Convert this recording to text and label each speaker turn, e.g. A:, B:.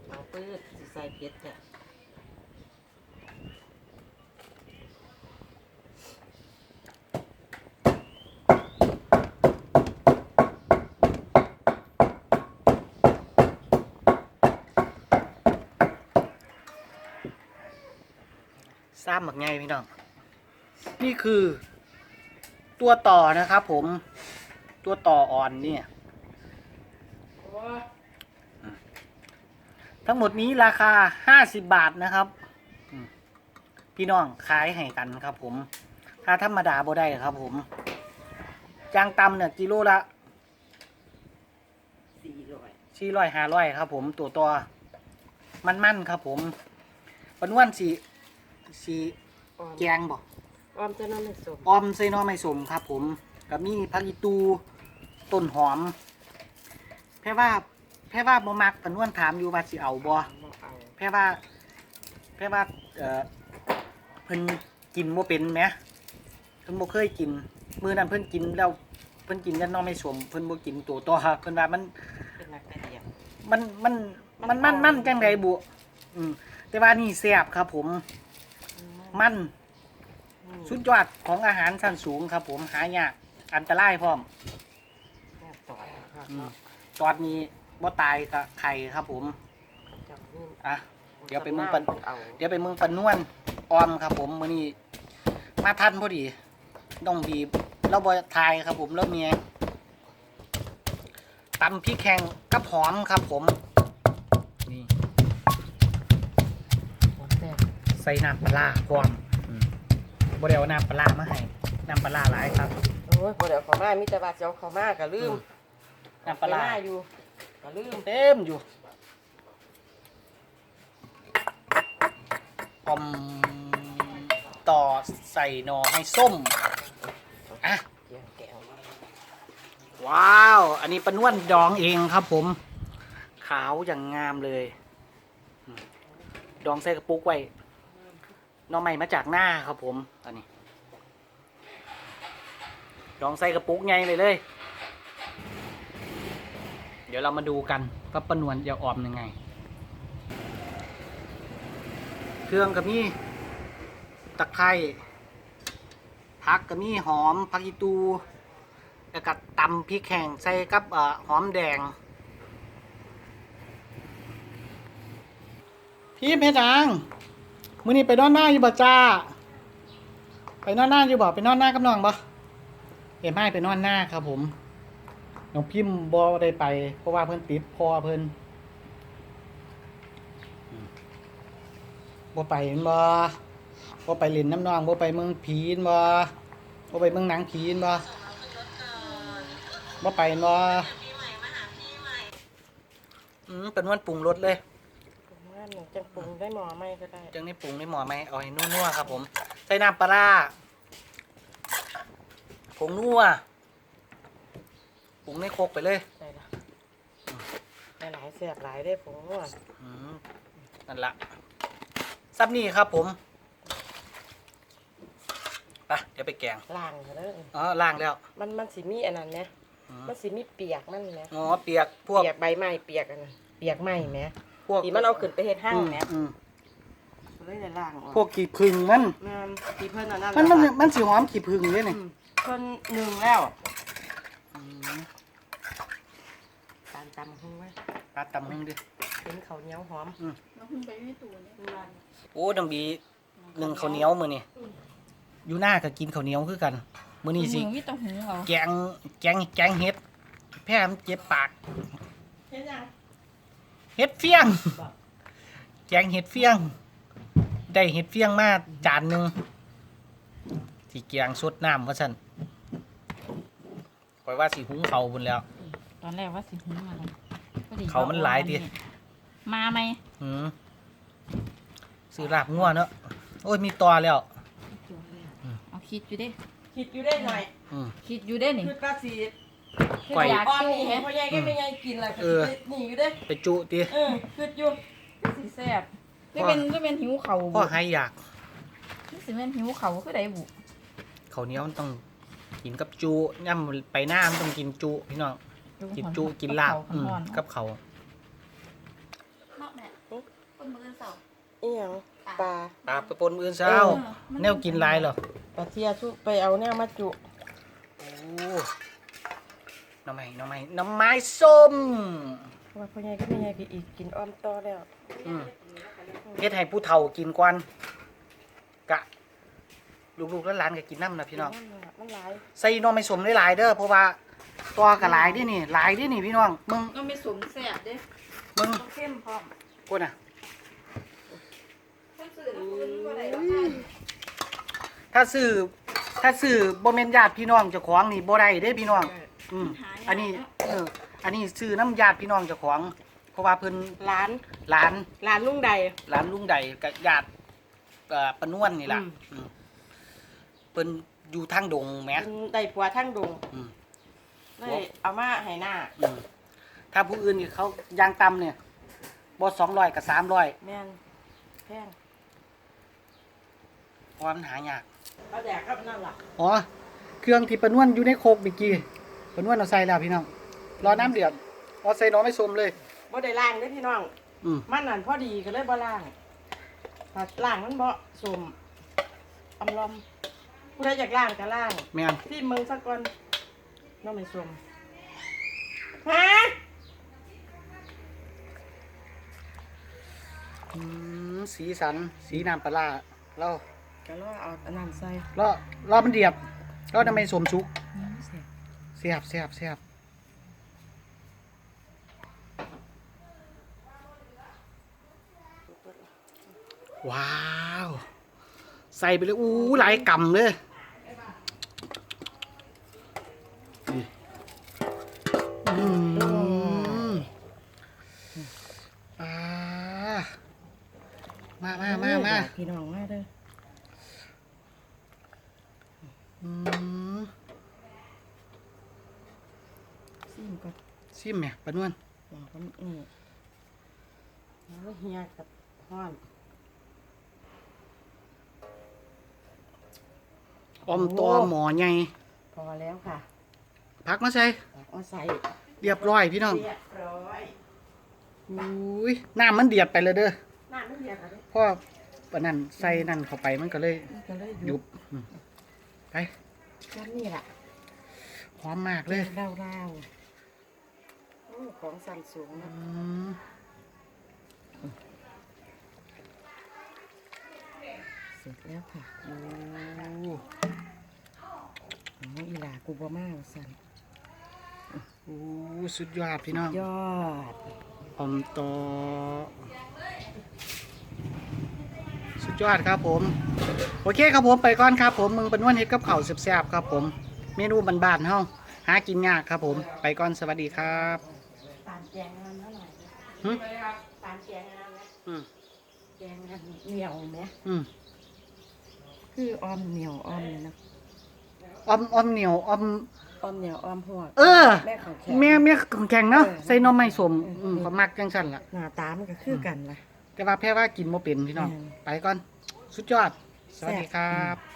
A: เอาปืดสิใส่เผ็ดเนี่ย
B: ซ้ำหมักไงพี่น้องนี่คือตัวต่อนะครับผมตัวต่ออ่อนเนี่ยทั้งหมดนี้ราคา50 บาทนะครับพี่น้องขายให้กันครับผมถ้าธรรมดาบ่ได้ครับผมจางตำเนี่ยกิโลละ400-500ครับผมตัวมันครับผมปนวนสีแกงบ่
A: ออมจะน้ำไม่สม
B: ออมใส่หน่อไม้ส้มครับผมกับมีผักอีตูต้นหอมแพ่ว่าบ่มักปนวนถามอยู่ว่าสิเอาบ่แพ่ว่าเพิ่นกินบ่เป็นแหมเพิ่นบ่เคยกินมื้อนั้นเพิ่นกินแล้วเพิ่นกินแต่หน่อไม้ส้มเพิ่นบ่กินตัวต่อเพิ่นว่ามัน
A: เป็นนักกระเดียม
B: มันจังไดบุแต่ว่านี่แซ่บครับผมมันสุดยอดของอาหารชั้นสูงครับผมหายากอันตรายพร้อมตอดนี้บ่ตายกับไข่ครับผมอ่ะเดี๋ยวไปมึงปันนวลออมครับผมมื้อนี้มาทันพอดีต้องบีบเราบ่ทายครับผมแล้วเมียตำพริกแห้งกับหอมครับผมนี่ใส่น้ำปลาพร้อมบ่ได้เอาน้ำปลามาให้น้ำปลาหลายครับ
A: โอ้ยบ่เดี๋ยวเขามามิตรบาเจ้าเขามาก็ลืม
B: น้ำปลา
A: อยู่ก็ลืม
B: เต็มอยู่อมต่อใส่หน่อให้ส้มอ่ะว้าวอันนี้ปนวนดองเองครับผมขาวอย่างงามเลยดองใส่กระปุกไว้หน่อใหม่มาจากหน้าครับผมอันนี้ดองใส่กระปุกไงเลยเดี๋ยวเรามาดูกันว่าปนวนจะออมยังไงเครื่องกับนี่ตะไคร้ผักกับนี่หอมผักอีตูแล้วก็ตำพริกแห้งใส่กับหอมแดงพี่เพชรางมื้อนี้ไปนอนหน้าอยู่บ่จ้าไปนอนหน้าอยู่บ่ไปนอนหน้ากับน้องบ่ไม่ไปนอนหน้าครับผมน้องพิมพ์บ่ได้ไปเพราะว่าเพิ่นติดพ่อเพิ่นบ่ไปบ่ไปเล่นน้ำน้องบ่ไปเมืองผีนบ่ไปเมืองหนังผีนบ่ไปเป็นวันปรุงรสเลย
A: จังปรุงได้หม้อไหมก็ได้
B: จังนี่ปรุงได้หม้อไหมเอาให้นัวๆครับผมใส่น้ำปลาร้าผงนัวปรุงในโคกไปเลย
A: หลายแสบหลายได้ผงนัว
B: นั่นละซับนี่ครับผมไปเดี๋ยวไปแกง
A: ล้างเลย
B: ล้างแล้ว
A: มันสิมีอันนั้นเนี่ยมันสิมีเปียกนั่นไหม
B: เปียกพวก
A: เปียกใบไม้เปียกอันนั้นเปียกไม้ไหมพวกที่มันเอาขึ้นไปเฮ็ดห้างไหมเลยในล่าง
B: พวกขี้ผึ้งมัน
A: ขี้เพิ่นอันนั้น
B: มันสีหอมขี้ผึ้งเลยนี่
A: เพิ่นหนึ่งแล้วการตำหุ้งไว้
B: การตำหุ้งดิ
A: เป็นข้าวเหนียวหอม
B: โอ้ดังบีหนึ่งข้าวเหนียวมื้อนี่อยู่หน้าก็กินข้าวเหนียวคือกันมื้อนี้สิแกงเห็ดแพ้มันเจ็บปากเห็ดเฟี้ยงแกงเห็ดเฟี้ยงได้เห็ดเฟี้ยงมาจานนึงที่แกงสดน้ำว่าซั่นข่อยว่าสิหุงข้าวพุ่นแล้ว
C: ตอนแรกว่าสิหุงอะไร
B: ข้าวมันหลายติ
C: มาไหม
B: ซื้อลาบงัวเนาะโอ้ยมีตอแล้ว
C: เอาคิดอยู่ได้
A: หน่อย
C: คิดอยู่ได้นี่
A: คือก็สิ
C: ก่อย
A: อ้อมนี่เห็นพ่อใหญ่ก็ไม่ใหญ่กินอะไรนี่อยู่ได้
B: ไปจุติ
A: คืออยู่
C: สิแซ่บก็เป็นหิวเข่า
B: พ่อให้อยาก
C: สิเป็นหิวเข่าคือใดบุ
B: ข้าวเหนียวมันต้องกินกับจุย่ำไปหน้ามันต้องกินจุพี่น้องกินจุกินลาบกับเขา
C: คนมือเสา
A: อีหยังปลา
B: ปลาไปปนมื้อเช้า แนวกินหลายเหรอ
A: ปลาเทียชุไปเอาแนวมาจุ
B: โอ้น้ำไม้ส้ม
A: เพราะว่าพ่อใหญ่ก็ไม่ใหญ่ก็อีกกินอ้อมต่อแล้ว
B: เฮ็ดให้ผู้เฒ่ากินก่อนกะ ลูกๆหลานๆก็กินน้ำนะพี่น้อง
A: มันหลาย
B: ใส่หน้ำไม้ส้มหลายๆเด้อเพราะว่าตัวก็หลายเด้นี่หลายเด้นี่พี่น้องมึง
C: ก็ไม่สมแซ่บเด้
B: มึง
C: ต้องเข้มพร้อม
B: กูน่ะ
C: คนสื่อน้ำปืนก็ได้ดอก
B: ถ้าซื้อบ่แม่นญาติพี่น้องเจ้าของนี่บ่ได้เด้พี่น้องอันนี้ซื้อน้ำญาติพี่น้องเจ้าของเพราะว่าเพิ่น
A: ร้าน
B: หลาน
A: ลุงใด
B: หลานลุงใดกับญาติปานวนนี่ล่ะเพิ่นอยู่ทางดงแหม
A: เป็นได้ผัวทั้งดง
B: อืม
A: เลยเอามาให้หน้า
B: ถ้าผู้อื่นนี่เขายางต่ำเนี่ยบ่200กับ300
A: แม่นแพง
B: เพราะว่ามันหายาก
A: เอาแดกครับนั่นล่ะ
B: อ๋อเครื่องที่ปานวนอยู่ในโคกเมื่อกี้ปานวนเอาใส่แล้วพี่น้องรอน้ำเดือดเอาใส่หน้อไม่ส้มเลย
A: บ่ได้ล้างเด้อพี่น้อง
B: อืม
A: มันนั่นพอดีก็เลยบ่ล้างถ้าล้างมันบ่สมอำลอมผู้ใดอยากล้างก็ล้าง
B: แม่น
A: ที่เมืองสักก่อนน้องไม่สมฮะ
B: สีสันสีน้ำปลาร้าเรา
A: ก็รอเอาอันนั้นใส่
B: รอมันเดือดเราทำไมสมสุก
A: เสีย
B: เสียบว้าวใส่ไปเลยอู้หลายกำเลยนี่อ่ามา
A: พี่น้องมาเด้อ ซิมก่อน
B: ซิมเนี่ยปะนวล
A: อย่างก็แล้วเฮียกับห้อน
B: อมตอหมอใหญ่
A: พอแล้วค่ะ
B: พักมาใส่
A: เอาใส่
B: เรียบร้อยพี่น้อง
A: เรียบร้อย
B: อุ้ยน้ำมันเดือดไปเลยเด้อ
A: น้ำไม่เดือดค่ะ
B: เพราะปะนั่นใส่นั่นเข้าไปมันก็เลย
A: ก็เลย
B: ยุบไป
A: แค่นี้แหละ
B: หอมมากเลย
A: เล่าๆโอ้ของสั่นสูงนะ เสร็จแล้วค่ะโอ้อีหลากูบ่มาสั่น
B: โอ้สุดยอดพี่น้อง
A: ยอด
B: อมตอสุดยอดครับผม โอเคครับผมไปก่อนครับผมมึงเป็นวันเฮ็ดกับข้าวแซ่บๆครับผม เมนูบ้านๆเฮาหากินยากครับผม ไปก่อนสวัสดีครับ
A: ตานแกงอันนั้นหน่อย
B: หึ
A: ตานแกงอันนั้นนะ
B: อืม
A: แกงอันเหนียวไหม
B: อืม
A: คือออมเหนียวออมเลยนะ
B: อมเหนียวอม
A: ออมเหนียวออมหัวก
B: เออ
A: แม่ของแข็ง
B: แม่ของแข็งเนาะ
A: เออ
B: ใส่หนมไม้สมก็มักจังซั่นล่ะ
A: หน้าตามันก็คือกันล่ะ
B: แต่ว่าแพ้ว่ากินบ่เป็นพี่น้อง
A: แม่น
B: ไปก่อน สุดยอด สวัสดีครับ
A: แซ่บ